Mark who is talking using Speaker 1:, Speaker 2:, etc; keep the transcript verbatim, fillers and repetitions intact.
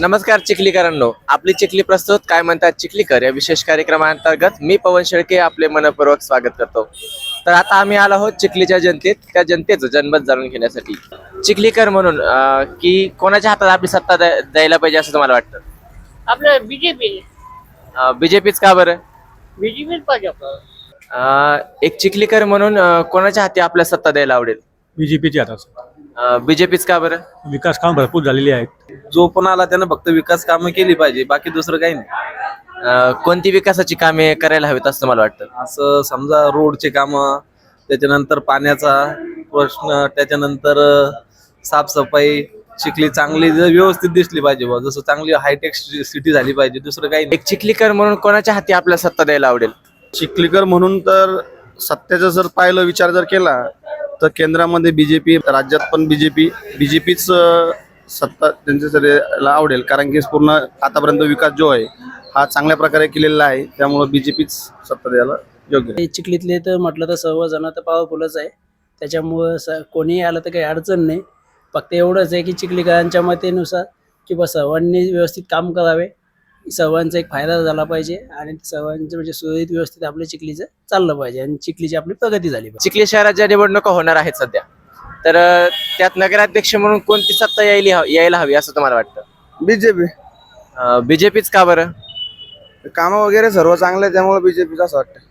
Speaker 1: नमस्कार चिखलीकरांनो, आपली चिखली प्रस्तुत काय म्हणतात चिखलीकर या विशेष कार्यक्रमांतर्गत मी पवन शेळके आपले मनपूर्वक स्वागत करतो. तर आता आम्ही आलो आहोत चिखलीच्या जनतेत, त्या जनतेचं जनमत जाणून घेण्यासाठी. चिखलीकर म्हणून अं, की कोणाच्या हातात आपली सत्ता द्या- द्यायला पाहिजे असं तुम्हाला वाटतं?
Speaker 2: आपलं बीजेपी
Speaker 1: बीजेपीच का बरं?
Speaker 2: बीजेपीच पाहिजे आपल्याला.
Speaker 1: अं, एक चिखलीकर म्हणून अं, कोणाच्या हाती आपल्या सत्ता द्यायला आवडेल?
Speaker 3: बीजेपीच्या हातात
Speaker 1: बीजेपीच का बरं?
Speaker 3: विकास काम भरपूर झालेली आहेत.
Speaker 4: जो पण आला त्यानं फक्त विकास कामं केली पाहिजे, बाकी दुसरं काही नाही.
Speaker 1: अं, कोणती विकासाची कामे करायला हवीत असं तुम्हाला वाटतं?
Speaker 4: असं समजा रोडचे कामं, त्याच्यानंतर पाण्याचा प्रश्न, त्याच्यानंतर अं, साफसफाई, चिखली चांगली जर व्यवस्थित दिसली पाहिजे बुवा. जसं चांगली हायटेक सिटी झाली पाहिजे, दुसरं काही नाही.
Speaker 1: एक चिखलीकर म्हणून कोणाच्या हाती आपल्या सत्ता द्यायला आवडेल?
Speaker 5: चिखलीकर म्हणून तर सत्याचा जर पाहिलं विचार जर केला तर केंद्रामध्ये बीजेपी, राज्यात पण बीजेपी बीजेपीच सत्ता त्यांच्यासाठी आवडेल. कारण की पूर्ण आतापर्यंत विकास जो आहे हा चांगल्या प्रकारे केलेला आहे, त्यामुळे बीजेपीच सत्ता द्यायला योग्य आहे.
Speaker 6: चिखलीतले तर म्हटलं तर सर्वजण तर पॉवरफुलच आहे, त्याच्यामुळं स कोणीही आलं तर काही अडचण नाही. फक्त एवढंच आहे की चिखलीकरांच्या मतेनुसार की बस सर्वांनी व्यवस्थित काम करावे, सर्वांचा एक फायदा झाला पाहिजे आणि सर्वांचं म्हणजे सुरळीत व्यवस्थित आपल्या चिखलीचं चाललं पाहिजे आणि चिखलीची आपली प्रगती झाली पाहिजे.
Speaker 1: चिखली शहरात ज्या निवडणुका होणार आहेत सध्या, तर अं, त्यात नगराध्यक्ष म्हणून कोणती सत्ता यायला यायला हवी असं तुम्हाला वाटतं?
Speaker 5: बीजेपी
Speaker 1: बीजेपीच का बरं?
Speaker 5: कामं वगैरे सर्व चांगले, त्यामुळे बीजेपीच असं वाटतं.